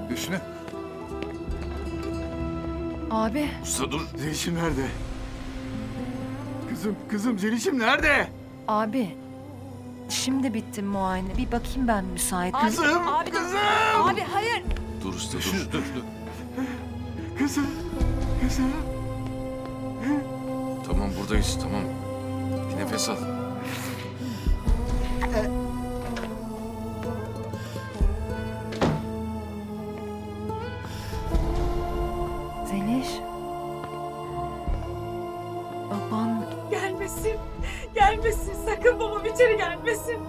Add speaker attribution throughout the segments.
Speaker 1: Hüsnü.
Speaker 2: Abi.
Speaker 3: Usta dur.
Speaker 4: Zeliş'im nerede? Kızım Zeliş'im nerede?
Speaker 2: Abi. Şimdi bitti muayene. Bir bakayım ben müsait.
Speaker 4: Kızım,
Speaker 2: Abi,
Speaker 4: kızım!
Speaker 2: Abi hayır.
Speaker 3: Dur usta
Speaker 1: Hüsnü
Speaker 3: dur.
Speaker 1: dur.
Speaker 4: Kızım.
Speaker 3: Tamam buradayız tamam. Bir nefes al.
Speaker 2: Zeliş. Baban.
Speaker 5: Gelmesin. Gelmesin. Sakın babam içeri gelmesin.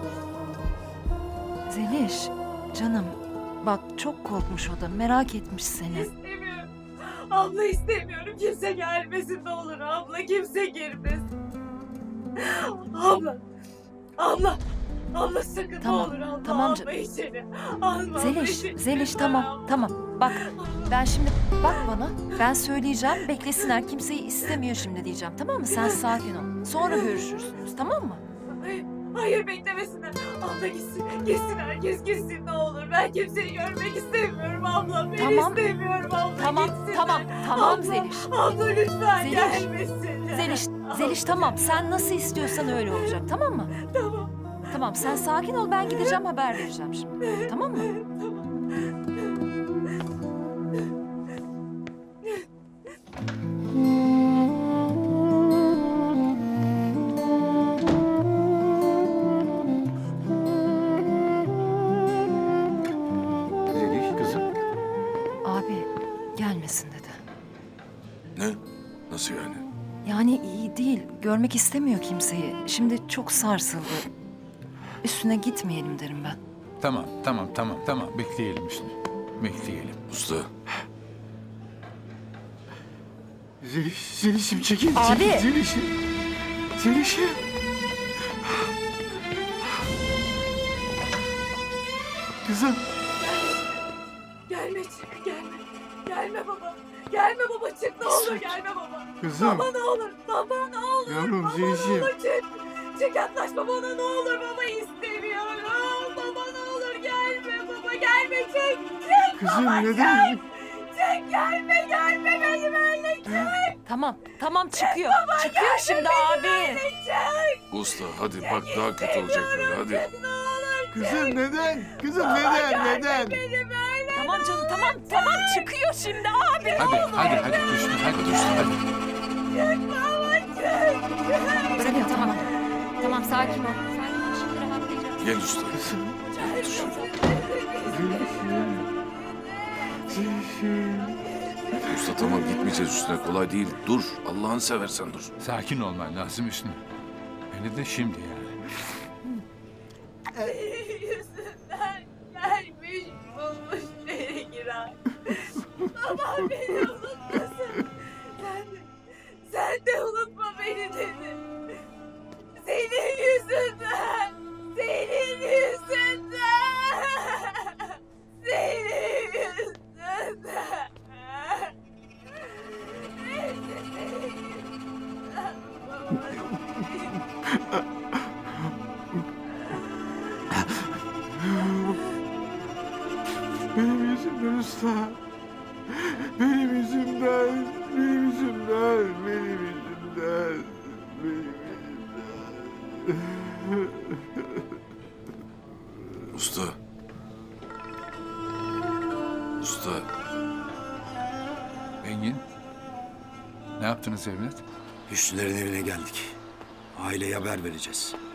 Speaker 2: Zeliş. Canım. Bak çok korkmuş o da. Merak etmiş seni.
Speaker 5: İstemiyorum. Abla istemiyorum. Kimse gelmesin ne olur abla. Kimse girmesin. Abla. Abla. Abla sakın
Speaker 2: Tamam,
Speaker 5: ne olur abla.
Speaker 2: tamam
Speaker 5: Alma
Speaker 2: canım.
Speaker 5: içeri. Alma
Speaker 2: Zeliş.
Speaker 5: içeri.
Speaker 2: Zeliş
Speaker 5: Lütfen
Speaker 2: tamam.
Speaker 5: abla.
Speaker 2: Tamam. Bak ben şimdi bak bana. Ben söyleyeceğim. Beklesinler. Kimseyi istemiyor şimdi diyeceğim. Tamam mı? Sen sakin ol. Sonra görüşürsünüz. Tamam mı?
Speaker 5: Hayır, hayır beklemesinler. Abla gitsin. Gitsin herkes gitsin ne olur. Ben kimseyi görmek istemiyorum abla. Ben
Speaker 2: Tamam.
Speaker 5: istemiyorum abla.
Speaker 2: Tamam.
Speaker 5: Gitsinler.
Speaker 2: Tamam. Tamam
Speaker 5: Abla,
Speaker 2: Zeliş.
Speaker 5: Abla lütfen
Speaker 2: Zeliş.
Speaker 5: gelmesinler.
Speaker 2: Zeliş tamam. Sen nasıl istiyorsan öyle olacak. Tamam mı?
Speaker 5: Tamam.
Speaker 2: Tamam sen sakin ol. Ben gideceğim haber vereceğim şimdi. Tamam mı?
Speaker 4: Zeliş kızım.
Speaker 2: Abi gelmesin dedi.
Speaker 3: Ne? Nasıl yani?
Speaker 2: Yani iyi değil. Görmek istemiyor kimseyi. Şimdi çok sarsıldı. Üstüne gitmeyelim derim ben.
Speaker 1: Tamam. Bekleyelim Hüsnü. Bekleyelim.
Speaker 3: Usta
Speaker 4: Zeliş'im çekil.
Speaker 2: Abi.
Speaker 4: Çekil, Zeliş'im. Kızım.
Speaker 5: Gelme çık gelme. Gelme baba. Gelme baba çık ne olur gelme baba.
Speaker 4: Kızım.
Speaker 5: Baba ne olur. Baba ne olur.
Speaker 4: Yavrum
Speaker 5: Baba ne
Speaker 4: Zeliş'im.
Speaker 5: olur çık. Çık yaklaşma bana ne olur baba istemiyorum. Baba ne olur gelme baba gelme çık. Çık
Speaker 4: Kızım
Speaker 5: baba,
Speaker 4: neden?
Speaker 5: Çık gelme beni böyle çık.
Speaker 2: Tamam çıkıyor. Çıkıyor şimdi abi.
Speaker 5: Çık.
Speaker 3: usta hadi bak daha kötü olacak böyle hadi.
Speaker 5: Ne olur
Speaker 4: Kızım neden? Kızım
Speaker 5: baba
Speaker 4: neden?
Speaker 5: gelme beni böyle.
Speaker 2: Tamam canım tamam çıkıyor şimdi abi.
Speaker 1: Hadi Hüsnü hadi Hüsnü hadi.
Speaker 5: Çık baba çık.
Speaker 2: Bırakın tamam sakin ol. Sakin ol şimdi rahatlayacağız.
Speaker 3: Gel usta.
Speaker 4: Zeliş'im.
Speaker 3: Usta tamam gitmeyeceğiz üstüne kolay değil. Dur Allah'ını seversen dur.
Speaker 1: Sakin olman lazım Hüsnü. Hele de şimdi yani.
Speaker 5: Yüzünden gelmiş bulmuş beni girer. Babam beni unutmasın. Sen de unutma beni dedi. Senin yüzünden. Senin yüzünden. Senin yüzünden. Hepsi senin yüzünden.
Speaker 4: Benim yüzümden usta. Benim yüzümden. Benim yüzümden. Benim yüzümden. Benim yüzümden.
Speaker 3: Usta. Usta.
Speaker 1: Engin. Ne yaptınız evlat?
Speaker 6: Hüsnülerin evine geldik. Aileye haber vereceğiz.